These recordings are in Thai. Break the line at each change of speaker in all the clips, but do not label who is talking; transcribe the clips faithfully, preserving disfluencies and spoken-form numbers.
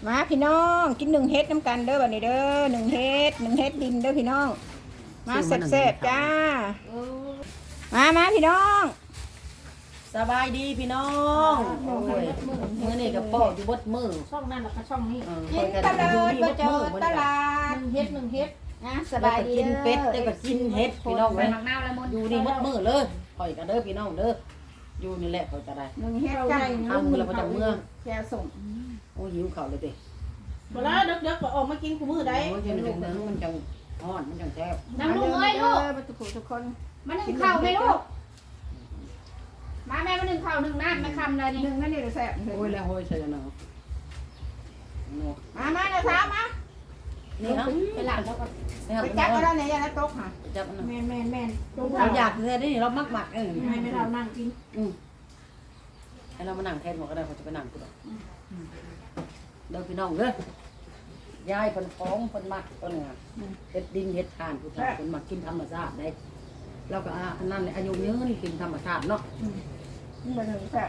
มาพี่น้องกินหนึ่งเฮ็ดน้ำกันเด้อบัดนี้เด้อหนึ่งเฮ็ดหนึ่งเฮ็ดดินเด้อพี่น้องมาแซ่บๆจ้ามามาพี่น้อง
สบายดีพี่น้องโอ้ยมื้อนี้ก็ป้ออยู่บดมือ
ช่องนั่นแล้วก็ช่องนี้
กินตลาดบ่เจอตลาด
หนึ่งเฮ็ดหนึ่งเฮ็ด
นะส
ส
บา
บาย ย
ดี
กินเป็ดได้
เด้
ก็กินเฮ็ดพี่น้อง
ไป
เว้ย
หมักนาวแล้วมด
อยู่นี่บดมือเลยข่อยก็เด้อพี่น้องเด้ออยู่นี่แหละข่อยก็ได้
หนึ่งเฮ็ดจ้า
เอามือแล้วประจำเมือง
แค่ส่ง
โอ้หิวข้าวเลยติ
เวลาเด็กๆก็ออกมากินคู่มือได้
โอ้ยจังจังจังมันจังฮ้อนมันจังแซ่บ
น้ำลูกเอ้ยลูก
ทุกคนทุกคน
มาหนึ่งข้าวไหมลูกมาแม่มาหนึ่งข้าวหนึ่งน้ำมาคำเลยนี่
หนึ่งนั่นนี่แซ่บ
โอ้ยแล้วโอ้ยใส่จังเนาะเนาะ
มามาเด้อสาวมา
นี่เนาะ
ไปหลังแล้วก็
นี่ครับ
ไปจับเอาแล้วเนี่ยอย่าละตกค่ะ
จับอันนั้น
แมนแมนแมนตรง
เราอยากแท้นี่เรามักหมักเออ
ให้ไม่เรานั่งกิน
อืมให้เรามานั่งแทนหมดก็ได้เขาจะไปนั่งกูดอกเด้อพี่น้องเด้อยายเพิ่นฟ้องเพิ่นมักเพิ่นน่ะเฮ็ดดินเฮ็ดทานผู้ชายเพิ่นมักกินธรรมชาติได้แล้วก็อันนั้นอายุยืนกินธรรมชาติเนาะ
นี่มันถึงแซ่บ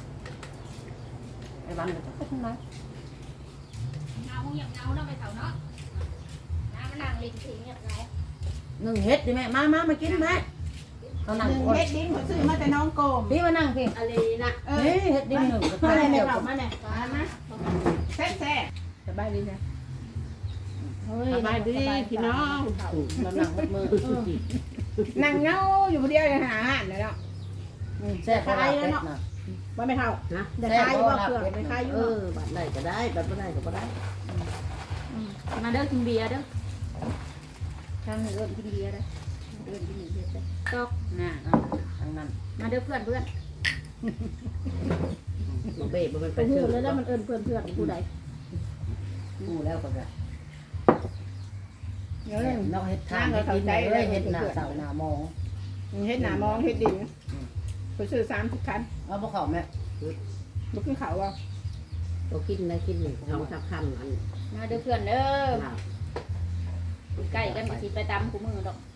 ไอ้วันก็จะไปทางไหน
เงาอย่างเงาเนาะไปเถาเนาะน้ำมันนั่งลิงทิ้งอย่างไร
นึ่งเฮ็ดดิแม่มามามากินแม่เขานั่ง
หนึ่ง
ก่อน
เฮ็ดดินเขาซื้อมาแต่น้องโกม
พี่มานั่งพี่
อะไรนะ
เอ
เฮ้
อย
เฮ็ดดินหนึ่งกับ
มา
ข้าว
แม่
เดียว
เถามาแม่
มามาแซ่บแซ่บสบายดีจ้ะ
สบายดีพี่น้อง
เรานั่งหมดมือ
นั่งเงาอยู่คนเดียวเลยหาอาหารเลยเนาะ
แซ่บพอลาเป็ดนะ
ว่าไม่เท่า
นะ
จะคายอยู่ว่าเปลือกไม่คายอยู่
เออบัดได้ก็ได้บัดบ่ได้ก็บ่ได้
มาเด้อกินเบียร์เด้อ
ทางเริ่มกินเบียร์แล้วเริ่มกินเบียร์แล้ว
ตอก
น่ะทางนั้น
มาเด้อเพื่อนเพื่อน
บ่เบ้บ่เป็นไป
ไปหู
ชื่อ
แล้วแล้วมันเอิญเพื่อนเพื่อนผู้ใด
กูแล้วก็ได้
เดี๋ยว
เ
เลย
นาะเฮ็ดทางเฮ็ดดินเลยเฮ็ดหน้าเสาหน้ามอง
เฮ็ดหนามองเฮ็ดดินไปซื้อสามสิบคัน
เอาบ่เข้าแม่
บุกขึ้นเขาว่า
ก็กินได้กินหนึ่งสองสามคำอัน
มาเด้อเพื่อนเด้อ
ลาบ
ใกล้กันมาสิไปตามคู่มือดอก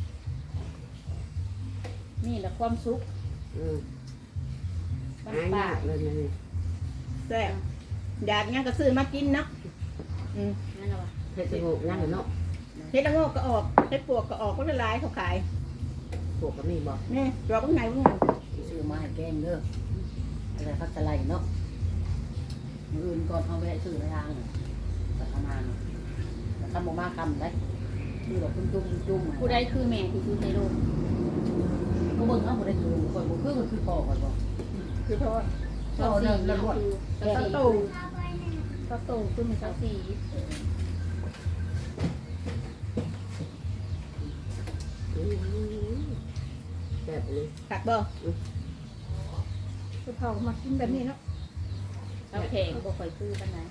นี่แหละความสุข
อืม
บ้า
หาน
ป่าย
ากเลยนี่
แซ่บอยากงั้นก็ซื้อมากินเนาะอืม
นั่นแหละวะ
เฮ็ดสงบนั่งเนาะ
เฮ็ดละโงกก็ออกเฮ็ดปวกก็ออกก็ละลายเขาขาย
พวกก็มีบอก
นี่รอข้างในข้างใน
ซื้อมาให้แกงเด้ออะไรพักจะไล่เนาะมื้ออื่นก่อนเอาแวะซื้อในทางสักประมาณแต่คันบ่มาคำได้คือแบบจุ่มๆจุ่มๆ
ผู้ใดคือแม่ที่คือในโลก
ก็เบิ่งเอาบ่ได้คือข่อยบ่คือมันคือพ่อข่อยบ่
คือเพราะว่า
เจ้าสี่เนี่ยคือ
เจ้า
เจ้าสี่
โต
เจ้าโตคือมันเจ้าสี่
แบบนี้
ตักบ่คือเขามากินแบบนี้เนาะ
เจ้าแขกบ่ค่อยคือปานไหน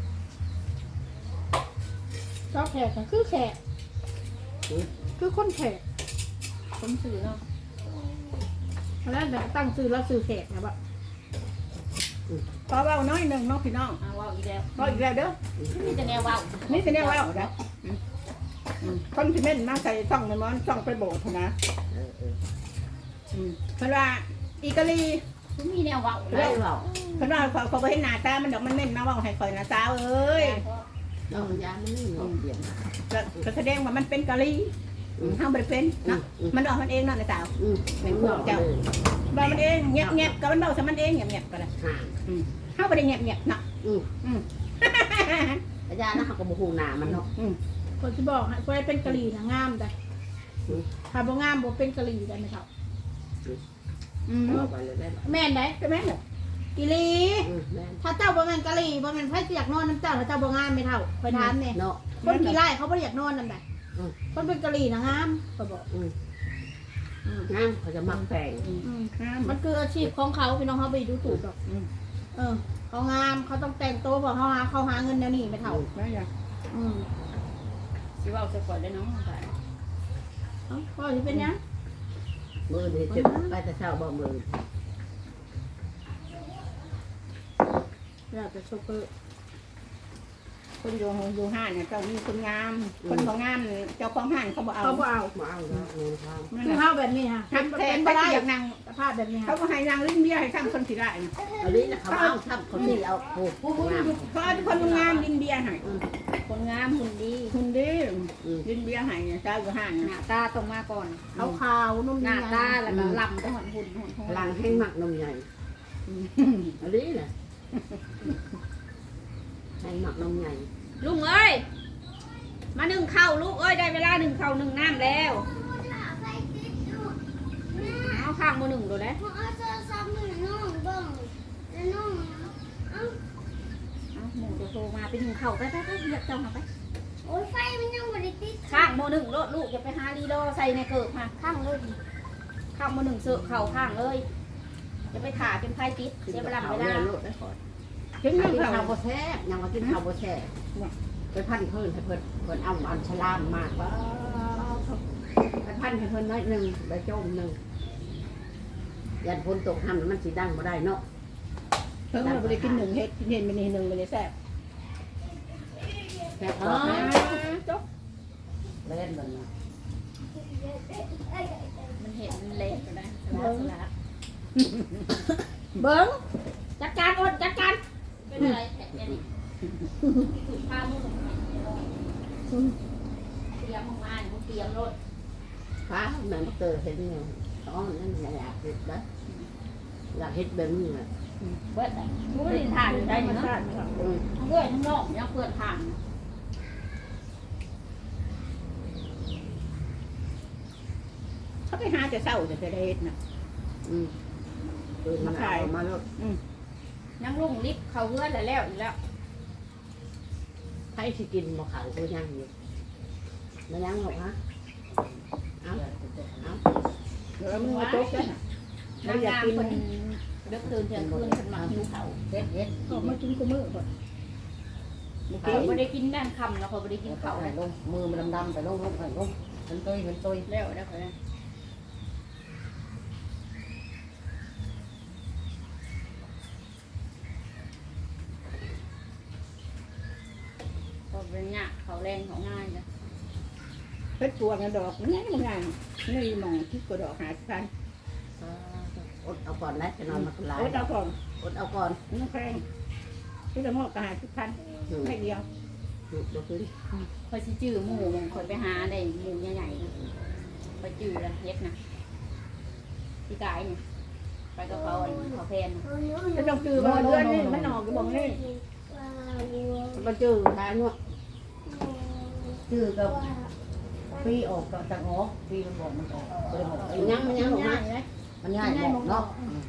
เจ้าแขกก็คือแขกคือคนแขก
ผมสื่อเนาะ
แล้วเดี๋ยวตั้งซื้อแล้วซื้อแขกนะบ่พอเบาน้อยหนึ่งเนาะพี่น้อง
อ้าวว้าวอีกแล้ว
พออีกแล้วเด้อ
นี่จะแนวว้าว
นี่สิเนี่ยว่าเอาได้คนที่เม่นมาใส่ช่องมันมันช่องไปโบสถ์นะ
เออเออ
เพราะว่าอีกาลี
ผมมีแนวว้าว
ได้เปล่า
เพราะว่าเขาเขาไปเห็นหน้าตามันดอกมันเม่นมาว่าให้คอยนะสาวเอ้ย
ต้องยามันนี่เนาะเดี๋ยว
ก็แสดงว่ามันเป็นกะลีห้ามไปเป็นเนาะมันออกมันเองเนาะในสาว
อืมเป็นพวกเจ้า
บอกมันเองเงียบเงียบกับมันเบาใส่มันเองเงียบเงียบกันเลย
ห่า
ห้าไปได้เงียบเงียบเนาะ
อืม
อืม
อาจารย์นะเขาก็บ่ฮู้หน้ามันเนาะ
คนที่บอกให้คนเป็นกะลีนะงามแต่ถ้าบ่งามบ่เป็นกะลีได้ไหมครับอืม
บอกไปเลยได้บ่
แม่นได้ใช่ไหมกิลี
อืมแม่น
ถ้าเจ้าบ่แม่นกะลีบ่แม่นไผสิอยากนอนน้ำเจ้าถ้าเจ้าบ่งามไม่เท่าไปถามเนี่ย
เนาะ
คนกี่ไร่เขาบ่อยากนอนนั่นแหละ
อืม
คนเป็นกะลีนะงามก็บอก
อืมงามเขาจะมักแปลง
อืมงาม
มันคืออาชีพของเขาพี่น้องเขาไปดูถูกดอก
เออเขางามเขาต้องแต่งตัวบอกเขาหาเขาหาเงินแนวนี้ไม่เท่าไม่ใช่อืม
สิเว้าจะก่อนได้น้องค่ะ
เอ้าพ่อจะเป็นยัง
มือนี่จะไปแต่เช้าบ่มือ
อยากจะโชเปอร์คนอยู่อยู่ห้านเนี่ยเจ้ามีคนงาม คนบ่งามเจ้าของห้านเขาบ่เอา
เขาบ่เอา
มาเอาแล้วเงินทาง
นั่น
คือ
น่ะ
เฮาแบบนี้ฮะ
ทำแทนไปอยากนาง
สภาพแบบนี้
เขา
ฮะ
ก็ให้นางลิ้นเบี้ยให้ทำคนสิได้นะ
อันนี้นะเขาเอาทำเขาที่เอาโอ้โหงาม
เขาเอาคนงามลิ้นเบี้ยให้
คนงามหุ่นดี
คุณดีลิ้นเบี้ยให้เจ้าอยู่ห้าน
หน้าตาตรงมาก่อน
ขาวขาวๆนุ่ม
หน้า
ๆ
ตาแล้วก็ลำไปหอนหุ่นหุ่นหุ่น
พลังให้หมักนมใหญ่อันนี้นะให้หมักนมใหญ่
ลุงเอ้ยมาหนึ่งเข่าลูกเอ้ยได้เวลาหนึ่งเข่าหนึ่งน้ำแล้วเอาข้างมือหนึ่งดูเลย
เอาโทรศัพท์มือน้องเบิ่งแล้วน้องเอา
เอาหมูจะโทรมาไปหนึ่งเข่าไปไปไปเรียกเจ้ามาไป
โอ้ยไฟมันยังบ่ได้ติด
ข้างมือหนึ่งโลดลูกอย่าไปหาลีโดใส่ในเกิบมาข้างเลยข้างมือหนึ่งเสือเข่าข้างเลยจะไปถ่าจนไฟติดเสียเวลาเวลา
โลดได้ก่อน
ถึง
กิ
นั่
น
ง
ข้า
เขา
วบ่แซ่บยังมากินข้าวบ่แซ่บไปพันเพิ่นให้เพิ่นเพิ่นเอาอันฉลามมากว่าไปพันให้เพิ่นน้อยหนึ่งใบโจมหนึ่งยันฝนตกทำมันสีดังบ่ได้เนาะ
เพิ่งเราไปกินหนึ่งเฮ็ดกินเห็นมันนี่หนึ่งมันเลยแซ่บ
แซ่บ
อ๋อ
บ่
จบ
เล่นมันนะ
มันเห็นเละก็ได้สลัดสลัดเบิ้งจัดการอดจัดการเป็นอะไรแผลนี่ถูกผ้ามือเตรียมมึงมามึงเตรียมรถ
ฟ้าแม่นเตอเห็นอยู่อ๋อนั่นอยากเฮ็ดนะอยากเฮ็ดแบบนี้น่ะ
เบิ้ลมึงไม่ได้ทานได้เนาะ
อืม
ทั้งเว้ยทั้งนอกยังเปิดทาน
เขาไปหาแต่เศร้าแต่จะได้เฮ็ดนะ
อืมเปิดมันเอามาแล้ว
ยังลุงลิฟต์เขาเพื่อนแล้วแล้วอีกแล้ว
ใครสิกินบ่ขาวก็ยังอยู่บ่ยังหรอกฮะเอาเอา
เดี๋ยวมึงมาจบกัน
นางงามคนเลิกตื่นเที่ยงคืนคนมาหิวเขา
เฮ็ดเฮ็ด
ออกมากินกูมือก่อน
เขาไม่ได้กินนั่นคำแล้วเขาไม่ได้กิน
เขา
เขา
ให้ลงมือมันดำๆไปลงลงไปลงมันตุยมันตุย
แล้วแล้วเขาเนี่ยก็เป็นเนี่ยเขาแรงเขาง่ายนะ
เพชรพวงดอกนี่มันง่ายนี่มองคิดกว่าดอกหาพัน
อดเอาก่อนนะจะนอนมาหลาย
โอ้ยเอาก่อน
อดเอาก่อน
น้องแพงที่จะมอบกระหาพัน
อืม
ไม่เดียว
บ่ขึ้น
คอยสิจื้อหมูมงคอยไปหาได้หมูใหญ่ๆนะไปจื้อแล้วเฮ็ดนะพี่กายเนี่ยไปกับเขาอันเขาแพนนะ
จะต้องจือมาเดือนนี่มันออกอยู่บ่งนี่
บ่จื้อได้เนาะ
ชื่อก็ปีออกก็จังออกปีมันบอกมันออกบ่ได้บอก
ยังมันยังหรอกนะ
มันง่ายบอกเนาะ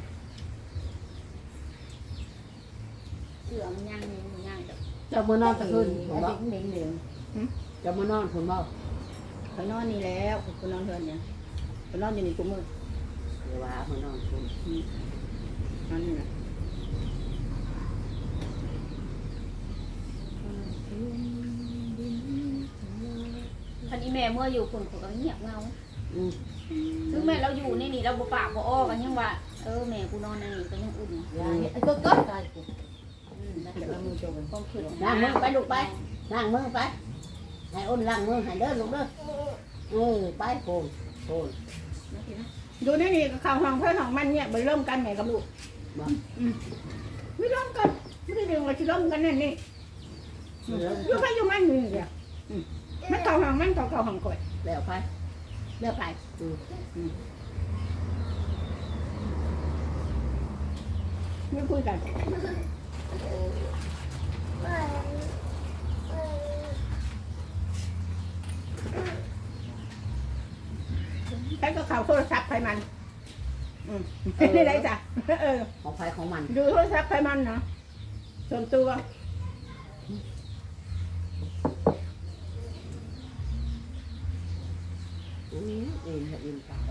เสือมันย่างนี่มันย่างแบบ
จะมานอนตะคืนผม
ไอ้
บ่
ดิ้งดิ้งเดียว
จะมานอนผมบ่
เขานอนนี่แล้วเขานอนเทือนเนี่ยเขานอนอยู่นี่กูมือ
เดี๋ยวว่ามานอนผม
นอนนี่นะ
คันนี้แม่เมื่ออยู่คนเขาก็เงียบเงา
อืม
ถึงแม่เราอยู่นี่นี่เราบ่ปากบ่อ้อกันยังว่าเออแม่กูนอนในนี่ก็ยังอุ่น
ยายไอ้ก็ก็ตายกู
อืมแล้ว
เดี๋ยวมันมือโจม
ความคิด
ล้างมือไปลูกไปล้างมือไปให้อ้นล้างมือให้เด้อลูกเด้อเออไปโกนโกน
อยู่นี่นี่ข่าวห้องเพื่อนห้องมันเนี่ยไปร่วมกันแม่กับลูก
บ่
ไม่ร่วมกันไม่ได้เรื่องว่าจะร่วมกันนั่นนี่อยู่ไปอยู่มันนี่เดียวมันเก่าห้องมันเก่าเก่าห้องก่อย
แล้วไป
เลือกไป
อืม
ไม่คุยกันใช้ก็ข่าวโทรศัพท์ไปมันอืมไม่ได้จ้ะเออ
ของไฟของมัน
ดูโทรศัพท์ไปมันเนาะส่วนตัว
อืมเอ็นเอ็นตาย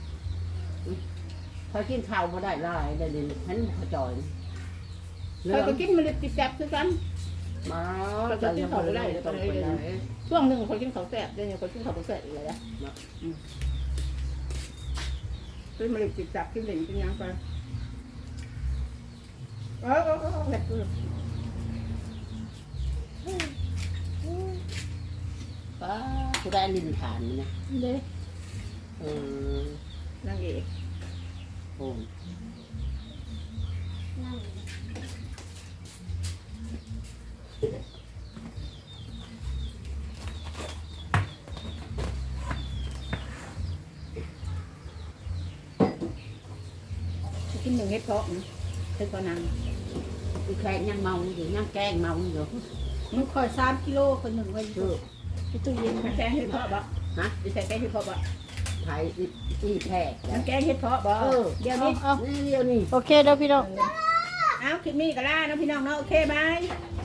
พอกินข้าวมาได้หลายได้เลยฉันขจอย
เธอก็กินมันเลยติดแสบคือกัน
มาจะยังไม่ได้ต้องไปไหน
ช่วงหนึ่งคนกินเขาวแสบเดี๋ยวนี้คนกินเขาวบ่แสบอีกเลยนะคือมันเลยติดแสบกินเหล่งกินยังไปเออเออเออแบบ
ป้ากูได้ลินฐานมันนะ
เด้
เออน
างเอก
โอ้
นั่ง
กินหนึ่งเฮ็ดเพาะนะเฮ็ดเพาะนาง
อีแขกยังเมาอยู่ยังแกล้งเมาอยู่
มันคอยสามกิโลคนหนึ่งไว้อ
คื
ยู่
อ
ในตู้เย็น
มันแกงเฮ็ดเพาะบ่
ฮะ
ดิใส่แกงเฮ็ดเพาะบ่
ไทยอีแขก
มันแกงเฮ็ดเพาะบ่
เออ
เดี๋ยวนี้
นี่เดียวนี่
โอเคเด้อพี่น้อง
เอาคลิปนี้ก็ล่าเนาะพี่น้องเนาะโอเคบาย
บ